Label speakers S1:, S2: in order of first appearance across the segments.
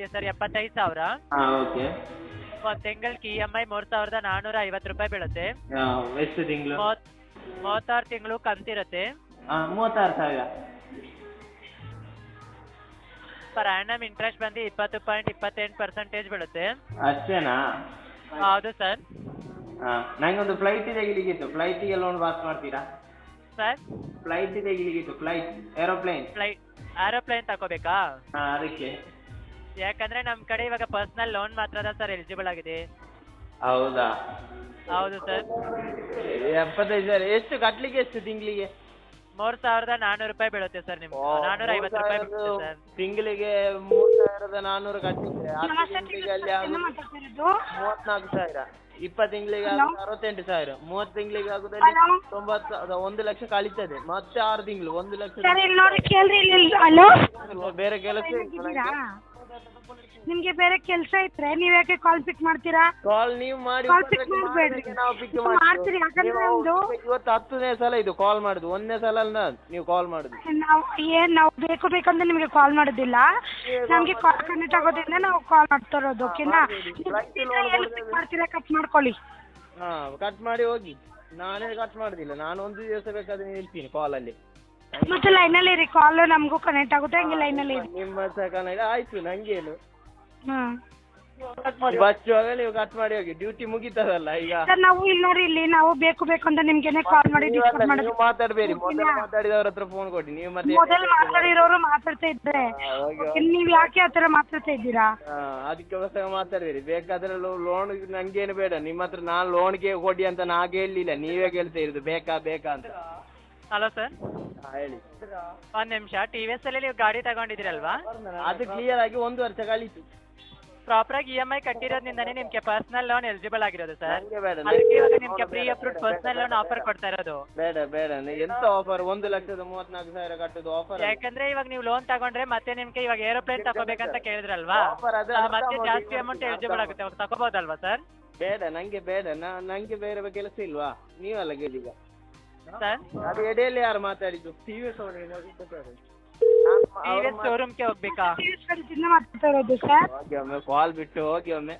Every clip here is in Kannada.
S1: ಬೀಳುತ್ತೆ ಸರ್ 75,000.
S2: ಓಕೆ.
S1: ಒಂದು ತಿಂಗಳಿಗೆ EMI 3,450 ರೂಪಾಯಿ ಬೀಳುತ್ತೆ.
S2: ಎಷ್ಟು ತಿಂಗಳು?
S1: 36 ತಿಂಗಳು ಕಂತಿರುತ್ತೆ.
S2: 36,000.
S1: ಪರ್ ಆ್ಯನಮ್ ಇಂಟ್ರೆಸ್ಟ್ ಬಂದು 20.28% ಬೀಳುತ್ತೆ.
S2: ಅಷ್ಟೇನಾ?
S1: ಹೌದು ಸರ್.
S2: ನಂಗೊಂದು ಫ್ಲೈಟ್ ತೆಗಿಲಿಕ್ಕಿತ್ತು, ಫ್ಲೈಟಿಗೆ ಲೋನ್ ಪಾಸ್ ಮಾಡ್ತೀರಾ?
S1: ಸರ್
S2: ಫ್ಲೈಟ್ ತೆಗಿಲಿಕ್ಕಿತ್ತು, ಫ್ಲೈಟ್
S1: ಏರೋಪ್ಲೇನ್ ತಗೋಬೇಕಾ?
S2: ಅದಕ್ಕೆ.
S1: ಯಾಕಂದ್ರೆ ನಮ್ಮ ಕಡೆ ಇವಾಗ ಪರ್ಸನಲ್ ಲೋನ್ ಮಾತ್ರ ಸರ್ ಎಲಿಜಿಬಲ್ ಆಗಿದೆ.
S2: ಹೌದಾ?
S1: ಹೌದು ಸರ್.
S2: 75,000 ಎಷ್ಟು ಕಟ್ಲಿಕ್ಕೆ? ಎಷ್ಟು ತಿಂಗಳಿಗೆ?
S1: 3,400 ರೂಪಾಯಿ ಬೀಳುತ್ತೆ ಸರ್. ನಿಮ್ಗೆ 450 ರೂಪಾಯಿ ಬೀಳುತ್ತೆ ಸರ್
S2: ತಿಂಗಳಿಗೆ. 3,400 ಕಟ್ಲಿಕ್ಕೆ 10 ತಿಂಗಳಿಗೆ ಅಲ್ಲಿ 34,000. 20 ತಿಂಗಳಿಗೆ 68,000. 30 ತಿಂಗಳಿಗೆ ಆಗುದಲ್ಲಿ 90,000. 1 ಲಕ್ಷ ಕಳೀತದೆ. ಮತ್ತೆ 6 ತಿಂಗಳು 1 ಲಕ್ಷ. ಬೇರೆ ಕೆಲಸ
S3: ನಿಮ್ಗೆ ಬೇರೆ ಕೆಲಸ ಇದ್ರೆ ನೀವ್ ಯಾಕೆ ಕಾಲ್ ಪಿಕ್ ಮಾಡ್ತೀರಾ?
S2: ಕಾಲ್ ನೀವು ಮಾಡಿ ನಾವು ಪಿಕ್
S3: ಮಾಡ್ತೀರಿ. ಯಾಕಂದ್ರೆ ನಮ್ದು
S2: ಇವತ್ತು 10ನೇ ಸಲ ಇದು ಕಾಲ್ ಮಾಡುದು. 1ನೇ ಸಲ ನೀವು ಕಾಲ್ ಮಾಡುದು.
S3: ನಾವು ಬೇಕಂದ್ರೆ ನಿಮ್ಗೆ ಕಾಲ್ ಮಾಡೋದಿಲ್ಲ. ನಮ್ಗೆ ಕಾಲ್ ಕನೆಕ್ಟ್ ಆಗೋದ್ರಿಂದ ನಾವು ಕಾಲ್ ಮಾಡ್ತಾ ಇರೋದು. ಓಕೆನಾ? ಮಾಡ್ತೀರಾ? ಕಟ್ ಮಾಡ್ಕೊಳ್ಳಿ.
S2: ಕಟ್ ಮಾಡಿ ಹೋಗಿ. ನಾನೇ ಕಟ್ ಮಾಡುದಿಲ್ಲ. ನಾನು ಒಂದು ದಿವಸ ಬೇಕಾದ್ರೆ ನಿಲ್ತೀನಿ ಕಾಲಲ್ಲಿ.
S3: ಮತ್ತೆ ಲೈನಲ್ಲಿ ಇರಿ. ಕಾಲ್ ನಮಗೂ ಕನೆಕ್ಟ್ ಆಗುತ್ತೆ. ಹಂಗೆ ಲೈನಲ್ಲಿ ಇರಿ.
S2: ನಿಮ್ಮ ಕನೆಕ್ಟ್ ಆಯ್ತು. ನಂಗೇನು ಬಚ್ಚುವಾಗ ನೀವು ಕಟ್ ಮಾಡಿ ಹೋಗಿ. ಡ್ಯೂಟಿ ಮುಗಿತದಲ್ಲ ಈಗ.
S3: ನಾವು ಇಲ್ಲಿ ನಾವು ಬೇಕು ಅಂತ ನಿಮ್ಗೆನೆ ಕಾಲ್ ಮಾಡಿ ಡಿಸ್ಕಸ್ ಮಾಡೋದು.
S2: ನೀವು ಮಾತಾಡ್ಬೇಡಿ. ಮೊದಲು ಮಾತಾಡಿದವ್ರ ಹತ್ರ ಫೋನ್ ಕೊಡಿ. ನೀವು ಮತ್ತೆ
S3: ಮೊದಲು ಮಾತಾಡಿರೋರು ಮಾತಾಡ್ತಾ ಇದ್ರೆ ನೀವ್ ಯಾಕೆ ಆತರ ಮಾತಾಡ್ತಾ ಇದ್ದೀರಾ?
S2: ಅದಕ್ಕೋಸ್ಕರ ಮಾತಾಡ್ಬೇಡಿ. ಬೇಕಾದ್ರೆ ಲೋನ್ ನಂಗೇನು ಬೇಡ. ನಿಮ್ಮ ಹತ್ರ ನಾನು ಲೋನ್ಗೆ ಕೊಡಿ ಅಂತ ನಾ ಹೇಳಿಲ್ಲ. ನೀವೇ ಕೇಳ್ತಾ ಇರೋದು ಬೇಕಾ ಅಂತ.
S1: Hello sir.
S2: ಹೇಳಿ.
S1: ಒಂದ್ ನಿಮಿಷ. TVS ಅಲ್ಲಿ ನೀವು ಗಾಡಿ ತಗೊಂಡಿದ್ದೀರಲ್ವಾ?
S2: ಅದು ಕ್ಲಿಯರ್ ಆಗಿ 1 ವರ್ಷ ಕಳೀತು.
S1: ಪ್ರಾಪರ್ ಆಗಿ EMI ಕಟ್ಟಿರೋದ್ರಿಂದಾನೇ ನಿಮ್ಗೆ ಪರ್ಸನಲ್ ಲೋನ್ ಎಲಿಜಿಬಲ್ ಆಗಿರೋದು ಸರ್.
S2: ಅದಕ್ಕೆ
S1: ಇವಾಗ ನಿಮ್ಗೆ pre approved personal loan offer ಕೊಡ್ತಾ ಇರೋದು.
S2: ಬೇಡ. ಎಂತ ಆಫರ್? 1,34,000 ಕಟ್ಟೋದು ಆಫರ್.
S1: ಯಾಕಂದ್ರೆ ಇವಾಗ ನೀವು ಲೋನ್ ತಗೊಂಡ್ರೆ ಮತ್ತೆ ನಿಮ್ಗೆ ಇವಾಗ ಏರೋಪ್ಲೇನ್ ತಗೋಬೇಕಂತ ಕೇಳಿದ್ರಲ್ವಾ? ಮತ್ತೆ ಜಾಸ್ತಿ ಅಮೌಂಟ್ ಎಲಿಜಿಬಲ್ ಆಗುತ್ತೆ. ಅವಾಗ ತಗೋಬಹುದಲ್ವಾ ಸರ್?
S2: ಬೇಡ. ನಂಗೆ ಬೇರೆ ಕೆಲಸ ಇಲ್ವಾ? ನೀವಲ್ಲ ಕೇಳಿಗ
S1: ಸರ್.
S2: ಅದು ಎಡೆಯಲ್ಲಿ ಯಾರು ಮಾತಾಡಿದ್ದು? TVS
S1: ಶೋರೂಮ್ಗೆ ಹೋಗ್ಬೇಕಾ?
S3: ಮಾತಾಡ್ತಾ ಇರೋದು ಸರ್.
S2: ಹೋಗಿ ಒಮ್ಮೆ ಕಾಲ್ ಬಿಟ್ಟು ಹೋಗಿ ಒಮ್ಮೆ.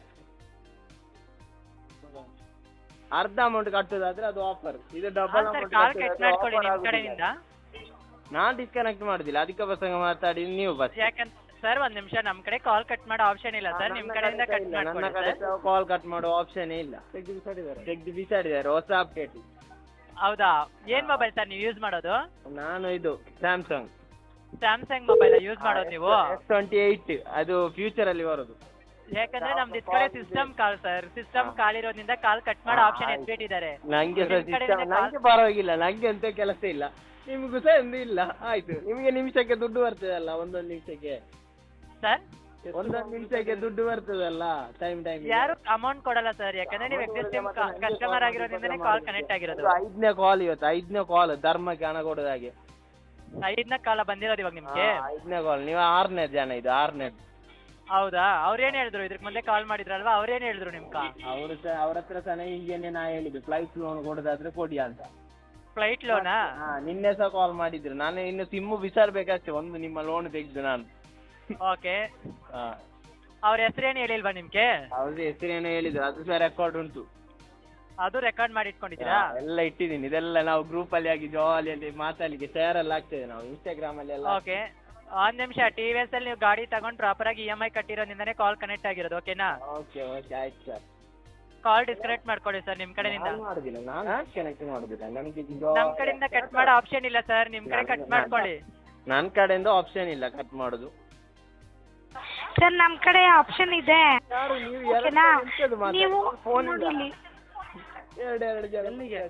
S2: ಅರ್ಧ ಅಮೌಂಟ್ ಕಟ್ಟೋದಾದ್ರೆ ಅದು ಆಫರ್. ಇದು ಡಬಲ್ ಅಮೌಂಟ್.
S1: ಕಾಲ್ ಕಟ್ ಮಾಡ್ಕೊಳ್ಳಿ ನಿಮ್ ಕಡೆಯಿಂದ.
S2: ನಾನ್ ಡಿಸ್ಕನೆಕ್ಟ್ ಮಾಡುದಿಲ್ಲ. ಅದಕ್ಕೆ ಪ್ರಸಂಗ ಮಾತಾಡಿ ನೀವು ಬಸ್.
S1: ಯಾಕಂತ ಸರ್ ಒಂದ್ ನಿಮಿಷ. ನಮ್ ಕಡೆ ಕಾಲ್ ಕಟ್ ಮಾಡೋ ಆಪ್ಷನ್ ಇಲ್ಲ ಸರ್. ನಿಮ್ ಕಡೆಯಿಂದ ಕಟ್
S2: ನನ್ನ ಕಡೆ ಕಾಲ್ ಕಟ್ ಮಾಡೋ ಆಪ್ಷನ್ ಇಲ್ಲ. ತೆಗ್ದು ಬಿಸಾಡಿದ್ದಾರೆ ಹೊಸ ಅಪ್ಡೇಟ್.
S1: ಹೌದಾ? ಏನ್ ಮೊಬೈಲ್ ಸರ್ ನೀವು ಯೂಸ್ ಮಾಡೋದು?
S2: ನಾನು ಇದು ಸ್ಯಾಮ್ಸಂಗ್
S1: ಮೊಬೈಲ್ ಯೂಸ್ ಮಾಡೋದು ನೀವು?
S2: S28. ಅದು ಫ್ಯೂಚರ್ ಅಲ್ಲಿ ಬರೋದು.
S1: ಯಾಕಂದ್ರೆ ನಮ್ದು ಇದ್ ಕಡೆ system call sir. System call ಇರೋದ್ರಿಂದ ಕಾಲ್ ಕಟ್ ಮಾಡೋ ಆಪ್ಷನ್ ಎತ್ಬಿಟ್ಟಿದ್ದಾರೆ.
S2: ನಂಗೆ ಪರವಾಗಿಲ್ಲ. ನಂಗೆ ಎಂತ ಕೆಲಸ ಇಲ್ಲ. ನಿಮ್ಗೂ ಸಹ ಎಂದೂ ಇಲ್ಲ. ಆಯ್ತು. ನಿಮಗೆ ನಿಮಿಷಕ್ಕೆ ದುಡ್ಡು ಬರ್ತದಲ್ಲ. ಒಂದೊಂದು ನಿಮಿಷಕ್ಕೆ
S1: ಸರ್.
S2: ಒಂದೊಂದು ನಿಮಿಷಕ್ಕೆ ದುಡ್ಡು ಬರ್ತದಲ್ಲ. ಟೈಮ್
S1: ಯಾರು ಅಮೌಂಟ್ ಕೊಡಲ್ಲ ಸರ್. ಯಾಕಂದ್ರೆ ನೀವು ಎಕ್ಸಿಸ್ಟಿಂಗ್ ಕಸ್ಟಮರ್ ಆಗಿರೋದ್ರಿಂದನೇ ಕಾಲ್ ಕನೆಕ್ಟ್ ಆಗಿರೋದು.
S2: 5ನೇ ಕಾಲ್ ಇವತ್ತು. 5ನೇ ಕಾಲ್ ಧರ್ಮಕ್ಕೆ ಹಣ ಕೊಡೋದ ಹಾಗೆ.
S1: 5ನೇ ಕಾಲ ಬಂದಿರೋದು ಇವಾಗ ನಿಮ್ಗೆ?
S2: 5ನೇ ಕಾಲ್. ನೀವು 6ನೇ ಜನ. ಇದು 6ನೇ.
S1: ಹೌದಾ? ಅವ್ರೇನ್ ಹೇಳಿದ್ರು? ಇದ್ರಕ್ ಮುಂದೆ ಕಾಲ್ ಮಾಡಿದ್ರಲ್ವಾ? ಅವ್ರೇನ್ ಹೇಳಿದ್ರು ನಿಮ್ಗ?
S2: ಅವ್ರ ಹತ್ರ ಸಹ ಹೀಗೇನೆ ನಾ ಹೇಳಿದ್ದು ಫ್ಲೈಟ್ ಲೋನ್ ಕೊಡೋದಾದ್ರೆ ಕೊಡಿ ಅಂತ.
S1: ಫ್ಲೈಟ್ ಲೋನಾ?
S2: ನಿನ್ನೆ ಸಹ ಕಾಲ್ ಮಾಡಿದ್ರು. ನಾನು ಇನ್ನು ಸಿಮ್ಮು ಬಿಸಾಡ್ಬೇಕಷ್ಟೇ. ಒಂದು ನಿಮ್ಮ ಲೋನ್ ತೆಗೆದು ನಾನು.
S1: ಓಕೆ. ಅವ್ರ ಹೆಸರೇನು ಹೇಳಿಲ್ವಾ ನಿಮ್ಗೆ?
S2: ಅವ್ರದ್ದು ಹೆಸರೇನು ಹೇಳಿದ್ರು. ಅದು ಸಹ ರೆಕಾರ್ಡ್ ಉಂಟು.
S1: ಅದು ರೆಕಾರ್ಡ್ ಮಾಡಿ ಇಟ್ಕೊಂಡಿದ್ದೀರಾ?
S2: ಎಲ್ಲ ಇಟ್ಟಿದ್ದೀನಿ. ಇದೆಲ್ಲ ನಾವು ಗ್ರೂಪ್ ಅಲ್ಲಿ ಆಗಿ ಜಾಲಿಯಲ್ಲಿ ಮಾತಾಡ್ಲಿಕ್ಕೆ ಶೇರ್ ಎಲ್ಲ ಆಗ್ತದೆ. ನಾವು ಇನ್ಸ್ಟಾಗ್ರಾಮ್ ಅಲ್ಲಿ ಎಲ್ಲ.
S1: ಓಕೆ. ಒಂದ್ ನಿಮಿಷ. TVS ಅಲ್ಲಿ ನೀವು ಗಾಡಿ ತಗೊಂಡು ಪ್ರಾಪರ್ ಆಗಿ EMI ಕಟ್ಟಿರೋದ್ರಿಂದಾನೇ ಕಾಲ್ ಕನೆಕ್ಟ್ ಆಗಿರೋದು. ಓಕೆನಾ?
S2: ಓಕೆ ಆಯ್ತು ಸರ್.
S1: ಕಾಲ್ ಡಿಸ್ಕನೆಕ್ಟ್ ಮಾಡ್ಕೊಳ್ಳಿ ಸರ್ ನಿಮ್ ಕಡೆಯಿಂದ.
S2: ಮಾಡುದಿಲ್ಲ. ನಾನು ಕನೆಕ್ಟ್ ಮಾಡುದಿಲ್ಲ. ನಮಗೆ
S1: ನಮ್ ಕಡೆಯಿಂದ ಕಟ್ ಮಾಡೋ ಆಪ್ಷನ್ ಇಲ್ಲ ಸರ್. ನಿಮ್ ಕಡೆ ಕಟ್ ಮಾಡ್ಕೊಳ್ಳಿ.
S2: ನನ್ನ ಕಡೆಯಿಂದ ಆಪ್ಷನ್ ಇಲ್ಲ ಕಟ್ ಮಾಡೋದು
S3: ಸರ್. ನಮ್ ಕಡೆ ಆಪ್ಷನ್ ಇದೆ. ಓಕೆನಾ? ನೀವು ನೋಡಿ.
S2: ಎರಡು ಜನ.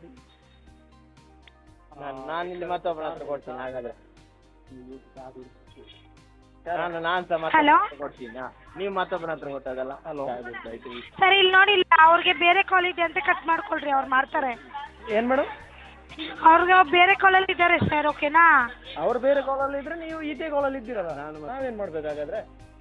S2: ನಾನಿಲ್ಲಿ ಮತ್ತೊಬ್ಬರ ಹತ್ರ ಕೊಡ್ತೀನಿ. ಹಾಗಾದ್ರೆ ನಾನು ಸಹ ಮತ್ತೊಬ್ಬರ ಕೊಡ್ತೀನಿ. ನೀವು ಮತ್ತೊಬ್ಬರ ಹತ್ರ ಕೊಟ್ಟಾಗಲ್ಲ. Hello
S3: sir. ಇಲ್ಲಿ ನೋಡಿ. ಅವ್ರಿಗೆ ಬೇರೆ ಕಾಲ್ ಇದೆ ಅಂತ ಕಟ್ ಮಾಡ್ಕೊಳ್ರಿ. ಅವ್ರು ಮಾಡ್ತಾರೆ.
S2: ಏನ್ ಮೇಡಮ್?
S3: ಅವ್ರಿಗೆ ಬೇರೆ ಕಾಲಲ್ಲಿ ಇದ್ದಾರೆ ಸರ್. ಓಕೆನಾ?
S2: ಅವ್ರು ಬೇರೆ ಕಾಲಲ್ಲಿ ಇದ್ರೆ ನೀವು ಇದೇ ಕಾಲಲ್ಲಿ ಇದ್ದೀರಲ್ಲ. ನಾವೇನ್ ಮಾಡ್ಬೇಕಾಗಾದ್ರೆ?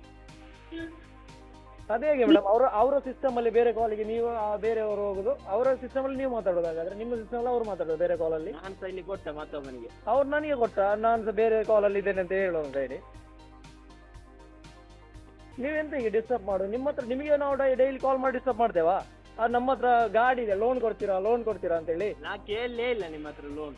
S2: ಅದೇ ಹೇಗೆ ಮೇಡಮ್? ಅವರ ಸಿಸ್ಟಮ್ ಅಲ್ಲಿ ಬೇರೆ ಕಾಲಿಗೆ ನೀವು ಬೇರೆಯವರು ಹೋಗುದು. ಅವರ ಸಿಸ್ಟಮ್ ಅಲ್ಲಿ ನೀವು ಮಾತಾಡೋದಾಗಾದ್ರೆ ನಿಮ್ಮ ಸಿಸ್ಟಮ್ ಅಲ್ಲಿ ಅವ್ರು ಮಾತಾಡೋದು ಬೇರೆ ಕಾಲಲ್ಲಿ. ನಾನು ಸಹ ಇಲ್ಲಿ ಕೊಟ್ಟ ಮತ್ತೊಬ್ಬನಿಗೆ. ಅವ್ರು ನನಗೆ ಕೊಟ್ಟ. ನಾನು ಸಹ ಬೇರೆ ಕಾಲಲ್ಲಿ ಇದ್ದೇನೆ ಅಂತ ಹೇಳೋ ಅಂತ ಹೇಳಿ. ನೀವೆಂತ ಈಗ ಡಿಸ್ಟರ್ಬ್ ಮಾಡು? ನಿಮ್ಮ ಹತ್ರ ನಿಮಗೆ ನಾವು ಡೈಲಿ ಕಾಲ್ ಮಾಡಿ ಡಿಸ್ಟರ್ಬ್ ಮಾಡ್ತೇವಾ? ನಮ್ಮ ಹತ್ರ ಗಾಡಿ ಇದೆ, ಲೋನ್ ಕೊಡ್ತೀರಾ ಅಂತೇಳಿ.
S4: ನಾ ಕೇಳಲೇ ಇಲ್ಲ ನಿಮ್ಮ ಹತ್ರ ಲೋನ್.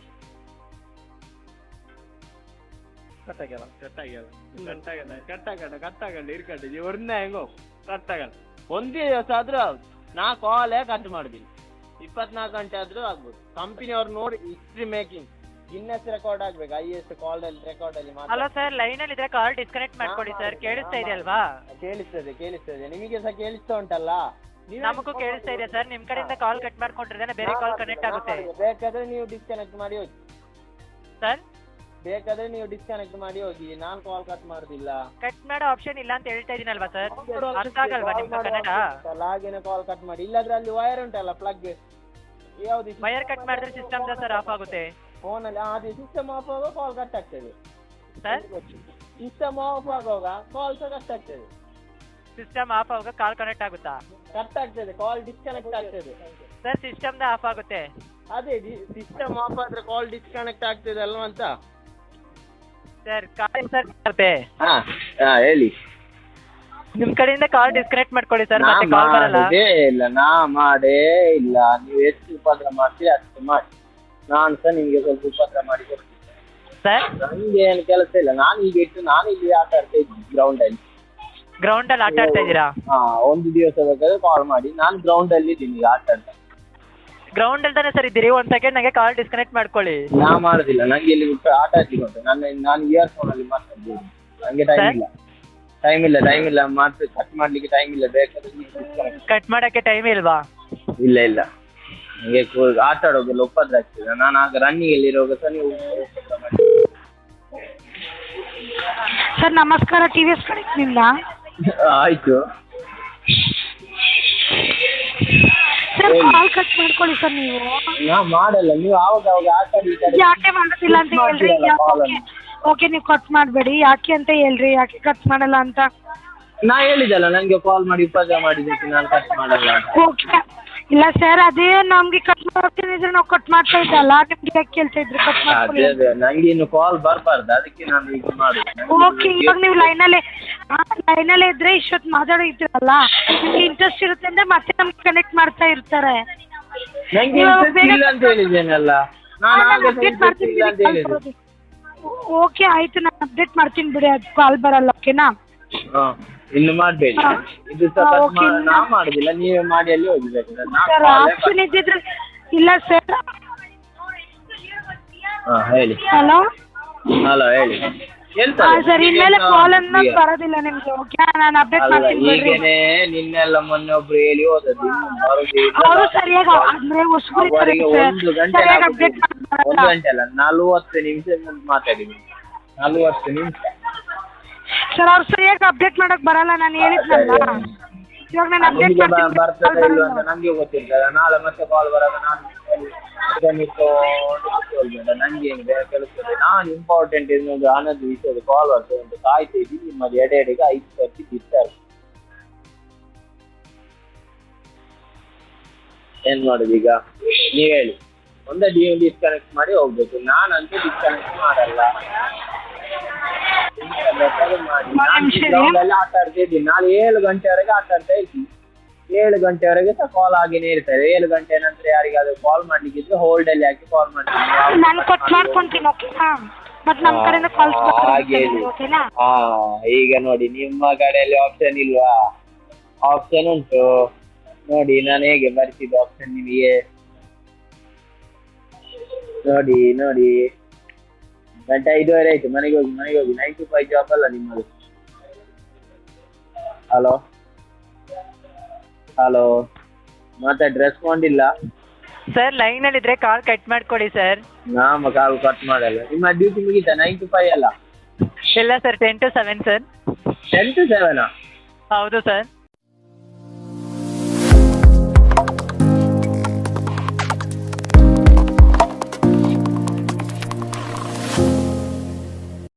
S4: ಕಟ್ಟಾಗಲ್ಲ ಇರ್ಕಟ್ಟ ಇವ್ರನ್ನ ಹೆಂಗೋ ಕಟ್ಟಾಗಲ್ಲ. ಒಂದೇ ದಿವಸ ಆದ್ರೂ ನಾ ಕಾಲೇ ಕಟ್ ಮಾಡಿದ್ದೀನಿ. 24 ಗಂಟೆ ಆದ್ರೂ ಆಗ್ಬೋದು. ಕಂಪನಿಯವ್ರು ನೋಡಿ ಹಿಸ್ಟ್ರಿ ಮೇಕಿಂಗ್ ಗಿನ್ನೆಸ್ ರೆಕಾರ್ಡ್ ಆಗ್ಬೇಕು. IAS ಕಾಲ್ ಅಲ್ಲಿ ರೆಕಾರ್ಡ್ ಅಲ್ಲಿ
S1: ಹಲೋ ಸರ್, ಲೈನ್ ಅಲ್ಲಿ ಇದ್ರೆ ಕಾಲ್ ಡಿಸ್ಕನೆಕ್ಟ್ ಮಾಡ್ಕೊಳ್ಳಿ ಸರ್. ಕೇಳಿಸ್ತಾ ಇದೆ ಅಲ್ವಾ?
S4: ಕೇಳಿಸ್ತದೆ ನಿಮಗೆ ಸಹ ಕೇಳಿಸ್ತಾ ಉಂಟಲ್ಲ?
S1: ನಮಗೂ ಕೇಳಿಸ್ತಾ ಇದೆ ಸರ್. ನಿಮ್ ಕಡೆಯಿಂದ ಕಾಲ್ ಕಟ್ ಮಾಡ್ಕೊಂಡ್ರೆ ಬೇರೆ ಕಾಲ್ ಕನೆಕ್ಟ್ ಆಗುತ್ತೆ.
S4: ಬೇಕಾದ್ರೆ ನೀವು ಡಿಸ್ಕನೆಕ್ಟ್ ಮಾಡಿ ಹೋಗಿ
S1: ಸರ್.
S4: ಬೇಕಾದ್ರೆ ನೀವು ಡಿಸ್ಕನೆಕ್ಟ್ ಮಾಡಿ ಹೋಗಿ, ನಾನು ಕಾಲ್ ಕಟ್ ಮಾಡುದಿಲ್ಲ.
S1: ಕಟ್ ಮಾಡೋ ಆಪ್ಷನ್ ಇಲ್ಲ ಅಂತ ಹೇಳ್ತಾ ಇದೀನಲ್ವಾ ಸರ್? ಅರ್ಥ ಆಗಲ್ವಾ ನಿಮ್ಗೆ ಕನ್ನಡ?
S4: ಹಾಗೇನೆ ಕಾಲ್ ಕಟ್ ಮಾಡಿ. ಇಲ್ಲಾದ್ರೆ ಅಲ್ಲಿ ವೈರ್ ಉಂಟಲ್ಲ ಪ್ಲಗ್, ಯಾವ್ದು
S1: ವೈರ್ ಕಟ್ ಮಾಡಿದ್ರೆ ಸಿಸ್ಟಮ್ ಸರ್ ಆಫ್ ಆಗುತ್ತೆ.
S4: ಫೋನಲ್ಲಿ ಅದು ಸಿಸ್ಟಮ್ ಆಫ್ ಆಗುವಾಗ ಕಾಲ್ ಕಟ್ ಆಗ್ತದೆ
S1: ಸರ್.
S4: ಸಿಸ್ಟಮ್ ಆಫ್ ಆಗುವಾಗ ಕಾಲ್ ಸಹ ಕಟ್ ಆಗ್ತದೆ.
S1: ಸಿಸ್ಟಮ್ ಆಫ್ ಆಗುವಾಗ ಕಾಲ್ ಕನೆಕ್ಟ್ ಆಗುತ್ತಾ?
S4: ಕಟ್ ಆಗ್ತದೆ, ಕಾಲ್ ಡಿಸ್ಕನೆಕ್ಟ್ ಆಗ್ತದೆ
S1: ಸರ್. ಸಿಸ್ಟಮ್ ಆಫ್ ಆಗುತ್ತೆ.
S4: ಅದೇ ಸಿಸ್ಟಮ್ ಆಫ್ ಆದ್ರೆ ಕಾಲ್ ಡಿಸ್ಕನೆಕ್ಟ್ ಆಗ್ತದೆ ಅಲ್ವಾ ಅಂತ
S1: ಸರ್. ಕಾಲ್ ಸರ್ ಬರುತ್ತೆ.
S4: ಹೇಳಿ.
S1: ನಿಮ್ ಕಡೆಯಿಂದ ಕಾಲ್ ಡಿಸ್ಕನೆಕ್ಟ್ ಮಾಡ್ಕೊಳ್ಳಿ ಸರ್, ಮತ್ತೆ ಕಾಲ್ ಬರಲ್ಲ.
S4: ಇಲ್ಲ ನಾ ಮಾಡೇ ಇಲ್ಲ. ನೀವು ಎಷ್ಟು ಉಪದ್ರ ಮಾಡ್ತೀರಿ ಅಷ್ಟು ಮಾಡಿ, ನಾನು ಸಹ ನಿಮ್ಗೆ ಸ್ವಲ್ಪ ಉಪದ್ರ ಮಾಡಿ ಕೊಡ್ತೀನಿ
S1: ಸರ್.
S4: ನನ್ಗೆ ಏನು ಕೆಲಸ ಇಲ್ಲ. ನಾನು ಈಗ ನಾನು ಇಲ್ಲಿ ಆಟ ಆಡ್ತಾ ಇದ್ದೀನಿ ಗ್ರೌಂಡ್ ಅಲ್ಲಿ.
S1: ಗ್ರೌಂಡ್ ಅಲ್ಲಿ ಆಟ ಆಡ್ತಾ ಇದ್ದೀರಾ?
S4: ಒಂದು ದಿವಸ ಬೇಕಾದ್ರೆ ಕಾಲ್ ಮಾಡಿ. ನಾನು ಗ್ರೌಂಡ್ ಅಲ್ಲಿ ಇದ್ದೀನಿ ಈಗ ಆಟ ಆಡ್ತಾ.
S1: ಗ್ರೌಂಡ್ ಅಲ್ಲಿ ತಾನೆ ಸರ್ ಇದ್ದೀರಿ? ಒಂದ್ ಸೆಕೆಂಡ್ ನಂಗೆ ಕಾಲ್ ಡಿಸ್ಕನೆಕ್ಟ್ ಮಾಡ್ಕೊಳ್ಳಿ.
S4: ನಾ ಮಾಡುದಿಲ್ಲ, ನಂಗೆ ಇಲ್ಲಿ ಆಟ ಆಡ್ಲಿಕ್ಕೆ ಉಂಟು. ನಾನು ಇಯರ್ಫೋನ್ ಅಲ್ಲಿ ಮಾತಾಡ್ತೀನಿ. ನಂಗೆ ಟೈಮ್ ಇಲ್ಲ ಮಾತ್ರ ಕಟ್ ಮಾಡ್ಲಿಕ್ಕೆ ಟೈಮ್ ಇಲ್ಲ. ಬೇಕಾದ್ರೆ
S1: ಕಟ್ ಮಾಡಕ್ಕೆ ಟೈಮ್ ಇಲ್ವಾ?
S4: ಇಲ್ಲ ನಂಗೆ ಆಟ ಆಡೋಗೆಲ್ಲ ಉಪದ್ರ ಆಗ್ತದೆ. ನಾನು ಆಗ ರನ್ನಿಂಗ್ ಅಲ್ಲಿ ಇರುವಾಗ ಸಹ ನೀವು
S3: ಸರ್ ನಮಸ್ಕಾರ, TVS ಕಡೆಯಿಂದ.
S4: ಆಯ್ತು
S3: ಸರ್ ಕಾಲ್ ಕಟ್ ಮಾಡ್ಕೊಳ್ಳಿ ಸರ್. ನೀವು
S4: ನಾ ಮಾಡಲ್ಲ, ನೀವು ಆವಾಗ ಆಟ
S3: ಯಾಕೆ ಮಾಡೋದಿಲ್ಲ ಅಂತ ಹೇಳ್ರಿ. ಓಕೆ ನೀವು ಕಟ್ ಮಾಡಬೇಡಿ. ಯಾಕೆ ಅಂತ ಹೇಳ್ರಿ, ಯಾಕೆ ಕಟ್ ಮಾಡಲ್ಲ ಅಂತ.
S4: ನಾ ಹೇಳಿದಲ್ಲ ನಂಗೆ ಕಾಲ್ ಮಾಡಿ ಉಪದ್ರ ಮಾಡಿದ್ದಕ್ಕೆ ನಾನು ಕಟ್ ಮಾಡಲ್ಲ.
S3: ಓಕೆ ಇಲ್ಲ ಸರ್, ಅದೇ ನಮ್ಗೆ ಕಟ್ ಮಾಡ್ತಿದ್ರೆ ನಾವು ಕಟ್ ಮಾಡ್ತಾ ಇದ್ದಲ್ಲ, ನಿಮ್ಗೆ ಯಾಕೆ ಕೇಳ್ತಾ ಇದ್ರಿ ಕಟ್ ಮಾಡ್ಕೊಳ್ಳಿ?
S4: ಅದೇ ನಂಗೆ ಇನ್ನು ಕಾಲ್ ಬರಬಾರ್ದು, ಅದಕ್ಕೆ ನಾನು ಈಗ ಮಾಡುದು.
S3: ಓಕೆ, ಇವಾಗ ನೀವು ಲೈನಲ್ಲೇ ಇದ್ರೆ ಇಷ್ಟೊತ್ತು ಮಾತಾಡೋ ಇದ್ರಲ್ಲ, ನಿಮ್ಗೆ ಇಂಟ್ರೆಸ್ಟ್ ಇರುತ್ತೆ ಅಂದ್ರೆ ಮತ್ತೆ ನಮ್ಗೆ ಕನೆಕ್ಟ್ ಮಾಡ್ತಾ ಇರ್ತಾರೆ.
S4: ನಂಗೆ ಇಂಟ್ರೆಸ್ಟ್ ಇಲ್ಲ ಅಂತ ಹೇಳಿದ್ದೇನಲ್ಲ ನಾನು.
S3: ಓಕೆ ಆಯ್ತು, ನಾನು ಅಪ್ಡೇಟ್ ಮಾಡ್ತೀನಿ ಬಿಡಿ, ಅದು ಕಾಲ್ ಬರಲ್ಲ. ಓಕೆನಾ?
S4: ಇನ್ನು ಮಾಡಬೇಡಿ. ಇದು ನಾ ಮಾಡುದಿಲ್ಲ, ನೀವೇ ಮಾಡಿ ಅಲ್ಲಿ ಹೋಗ್ಬೇಕು.
S3: ಸರ್ ಆಪ್ಷನ್ ಇದ್ದಿದ್ರೆ ಇಲ್ಲ ಸರ್.
S4: ಹೇಳಿ.
S3: ಹಲೋ
S4: ಹೇಳಿ.
S3: ಸರ್ ಇನ್ಮೇಲೆ ಕಾಲ್ ಅನ್ನ ಬರೋದಿಲ್ಲ ನಿಮ್ಗೆ. ಓಕೆ ನಾನು ಅಪ್ಡೇಟ್ ಮಾಡ್ತೀನಿ ಬಿಡ್ರಿ.
S4: ನಿನ್ನೆಲ್ಲ ಮೊನ್ನೆ ಒಬ್ರು ಹೇಳಿ ಹೋದದ್ದು,
S3: ಅವರು ಸರಿಯಾಗಿ ಅಂದ್ರೆ ಹೊಸಬರು ಇದ್ದಾರೆ ಸರ್, ಸರಿಯಾಗಿ ಅಪ್ಡೇಟ್ ಮಾಡ್ತಾರೆ.
S4: 1 ಗಂಟೆ ಅಲ್ಲ 40 ನಿಮಿಷ ಮಾತಾಡಿದ್ದೀನಿ. 40 ನಿಮಿಷ
S3: ಸರ್. ಅವ್ರು ಸರಿಯಾಗಿ ಅಪ್ಡೇಟ್ ಮಾಡಕ್ ಬರಲ್ಲ, ನಾನು ಹೇಳಿದ್ನಲ್ಲ. ಇವಾಗ ನಾನು ಅಪ್ಡೇಟ್
S4: ಬರ್ತದೆ ಇಲ್ಲ ಅಂತ ನಮ್ಗೆ ಗೊತ್ತಿರ್ತದೆ. ನಾಳೆ ಮತ್ತೆ ಕಾಲ್ ಬರೋದು ನಾನು ನಂಗೆ ಕೆಲಸದೆ. ನಾನು ಇಂಪಾರ್ಟೆಂಟ್ ಇನ್ನೊಂದು ಹಣದ ವಿಷಯದ ಕಾಲ್ ಬರ್ತದೆ ಅಂತ ಕಾಯ್ತಾ ಇದ್ದೀನಿ. ನಿಮ್ಮದು ಎಡೆಗೆ 5 ಸರ್ತಿ ಬಿಡ್ತಾರೆ. ಏನ್ ಮಾಡುದು ಈಗ ನೀವ್ ಹೇಳಿ? ಒಂದೇ ಡಿಸ್ಕನೆಕ್ಟ್ ಮಾಡಿ ಹೋಗ್ಬೇಕು. ನಾನಂತೂ ಡಿಸ್ಕನೆಕ್ಟ್ ಮಾಡಲ್ಲ. ಮಾಡಿ ಆಟ ಆಡ್ತಾ ಇದ್ದೀನಿ. ನಾನು 7 ಗಂಟೆವರೆಗೆ ಆಟ ಆಡ್ತಾ ಇದ್ದೀನಿ. 7 ಗಂಟೆವರೆಗೆ ಸಹ ಕಾಲ್ ಆಗಿನೇ ಇರ್ತಾರೆ. 7 ಗಂಟೆ ನಂತರ ಯಾರಿಗಾದ್ರೂ ಕಾಲ್ ಮಾಡ್ಲಿಕ್ಕೆ ಇದ್ರೆ ಹೋಲ್ಡ್ ಅಲ್ಲಿ ಹಾಕಿ ಕಾಲ್ ಮಾಡ್ತೀನಿ.
S3: ನಾನು ಕಟ್ ಮಾಡ್ಕೊಂತೀನಿ. ಓಕೆನಾ? ಮತ್ತೆ ನಮ್ಮ ಕಡೆಯಿಂದ ಕಾಲ್ಸ್
S4: ಹಾಗೆ ಈಗ ನೋಡಿ, ನಿಮ್ಮ ಕಡೆಯಲ್ಲಿ ಆಪ್ಷನ್ ಇಲ್ವಾ? ಆಪ್ಷನ್ ಉಂಟು ನೋಡಿ. ನಾನು ಹೇಗೆ ಬರ್ತಿದ್ದೆ ಆಪ್ಷನ್ ನಿಮಗೆ ನೋಡಿ. ಗಂಟೆ 5:30 ಆಯ್ತು. ಮನೆಗೆ ಹೋಗಿ 9 to 5 ಜಾಬ್ ಅಲ್ಲ ನಿಮ್ಮದು. ಹಲೋ ಮಾತಾಡಿ, ರೆಸ್ಪಾಂಡ್ ಇಲ್ಲ
S1: ಸರ್. ಲೈನ್ ಅಲ್ಲಿ ಇದ್ರೆ ಕಾಲ್ ಕಟ್ ಮಾಡ್ಕೊಳ್ಳಿ ಸರ್.
S4: ನಾಮ ಕಾಲ್ ಕಟ್ ಮಾಡಲ್ಲ. ನಿಮ್ಮ ಡ್ಯೂಟಿ ಮುಗೀತಾ? 9 to 5 ಅಲ್ಲ?
S1: ಇಲ್ಲ ಸರ್, 10 to 7 ಸರ್.
S4: 10 to 7?
S1: ಹೌದು ಸರ್.